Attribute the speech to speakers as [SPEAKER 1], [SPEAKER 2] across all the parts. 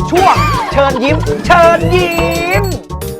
[SPEAKER 1] ช่วงเชิญยิ้ม เชิญยิ้ม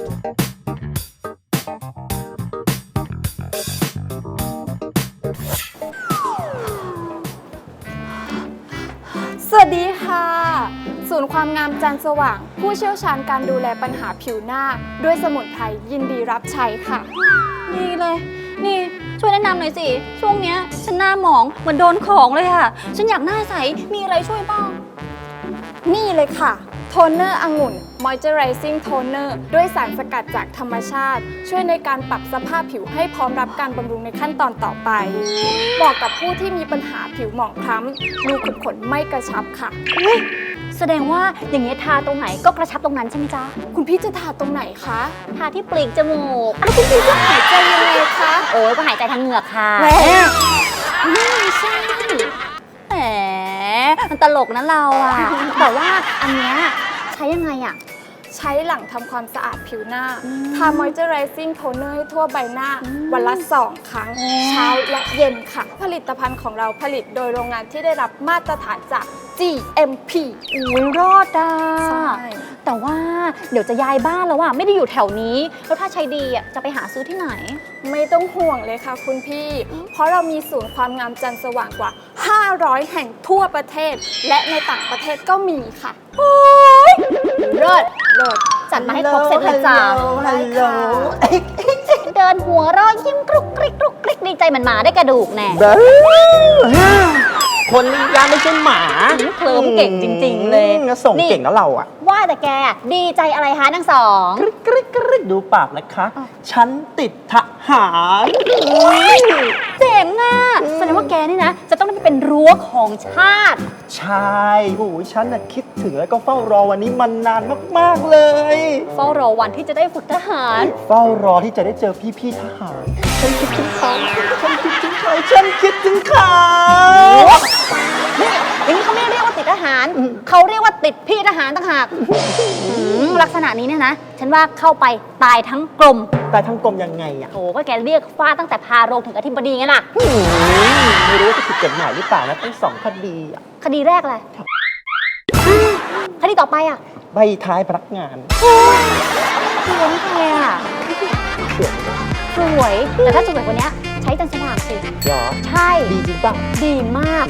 [SPEAKER 2] สวัสดีค่ะ ศูนย์ความงามจันทร์สว่าง ผู้เชี่ยวชาญการดูแลปัญหาผิวหน้า ด้วยสมุนไพรยินดีรับใช้ค่ะ
[SPEAKER 3] ดีเลย นี่ช่วยแนะนำหน่อยสิ ช่วงเนี้ยฉันหน้าหมองเหมือนโดนของเลยค่ะ ฉันอยากหน้าใส มีอะไรช่วยบ้าง
[SPEAKER 2] นี่เลยค่ะ โทนเนอร์องุ่น Moisturizing Toner ด้วยสารสกัดจากธรรมชาติ ช่วยในการปรับสภาพผิวให้พร้อมรับการบำรุงในขั้นตอนต่อไปเหมาะกับผู้ที่มีปัญหาผิวหมองคล้ำรูขุมขนไม่กระชับค่ะ
[SPEAKER 3] แสดงว่าอย่างเงี้ยทาตรงไหนก็กระชับตรงนั้นใช่ไหมจ๊ะ
[SPEAKER 2] คุณพี่จะทาตรงไหนคะ
[SPEAKER 3] ทาที่ปลีกจมูก
[SPEAKER 2] แล้วคุณพี่จะหายใจยังไงคะ
[SPEAKER 3] โอ้ยก็หายใจทางเหงือกค่ะ
[SPEAKER 2] แหม
[SPEAKER 3] ไม่ใช่แหมมันตลกนะเราอะแต่ว่าอันเนี้ยใช้ยังไงอะ
[SPEAKER 2] ใช้หลังทำความสะอาดผิวหน้า ทา Moisturizing Toner ให้ทั่วใบหน้า วันละ 2 ครั้ง เช้าและเย็นค่ะ ผลิตภัณฑ์ของเราผลิตโดยโรงงานที่ได้รับมาตรฐานจาก GMP
[SPEAKER 3] อุ้ยรอดอ่ะ
[SPEAKER 2] ใช่
[SPEAKER 3] แต่ว่าเดี๋ยวจะย้ายบ้านแล้วอะไม่ได้อยู่แถวนี้ แล้วถ้าใช้ดีอะจะไปหาซื้อที่ไหน
[SPEAKER 2] ไม่ต้องห่วงเลยค่ะคุณพี่ เพราะเรามีศูนย์ความงามจันทร์สว่างกว่า 500 แห่งทั่วประเทศ และในต่างประเทศก็มีค่ะ
[SPEAKER 3] โอ้ยเลิศเลิศจัดมาให้ครบเสร็จเลยจ้า
[SPEAKER 2] ได้ค่ะ
[SPEAKER 3] เดินหัวเรอยยิ้มกรุกกริกกรุกกริกดีใจเหมันหมาได้กระดูกแน่
[SPEAKER 1] คนนี้ยาไม่ใช่หมา
[SPEAKER 3] เคลิ้มเก่งจริง ๆ เลย
[SPEAKER 1] ส่งเก่งแล้วเราอ่ะ
[SPEAKER 3] ว่าแต่แกดีใจอะไรฮะทั้งสอง
[SPEAKER 1] กริ๊กกริ๊กดูปากนะคะ ฉันติดทหาร
[SPEAKER 3] เจ๋งอ่ะแสดงว่าแกนี่นะ จะต้องได้เป็นรั้วของชาติ
[SPEAKER 1] ใช่โอ้ยฉันน่ะคิดถึงแล้วก็เฝ้ารอวันนี้มันนานมากๆเลย
[SPEAKER 3] เฝ้ารอวันที่จะได้ฝึกทหาร
[SPEAKER 1] เฝ้ารอที่จะได้เจอพี่ๆทหาร ฉันคิดถึงเขาฉันคิดถึงเขาฉันคิดถึงเขา
[SPEAKER 3] นี่อย่างนี้เขาไม่เรียกว่าติดทหาร เขาเรียกว่าติดพี่ทหารต่างหากลักษณะนี้เนี่ยนะ ฉันว่าเข้าไปตายทั้งกลม
[SPEAKER 1] แต่ทั้งกลมยังไงอ่ะ
[SPEAKER 3] โอ้ก็แกเรียกฟาดตั้งแต่พาโรงถึงอธิบดีไงล่ะ
[SPEAKER 1] ไม่รู้ว่าจะผิดกฎหมายหรือเปล่านะทั้งสองคดีอ่ะ
[SPEAKER 3] คดีแรกอะไรคดีต่อไปอ่ะ
[SPEAKER 1] ใบท้ายพนักงาน
[SPEAKER 3] สวยแกอ่ะสวย แต่ถ้าสวยกว่านี้ใช้จันทร์สว่างสิ
[SPEAKER 1] เหรอ
[SPEAKER 3] ใช่
[SPEAKER 1] ดีจริงป่ะ
[SPEAKER 3] ดีมาก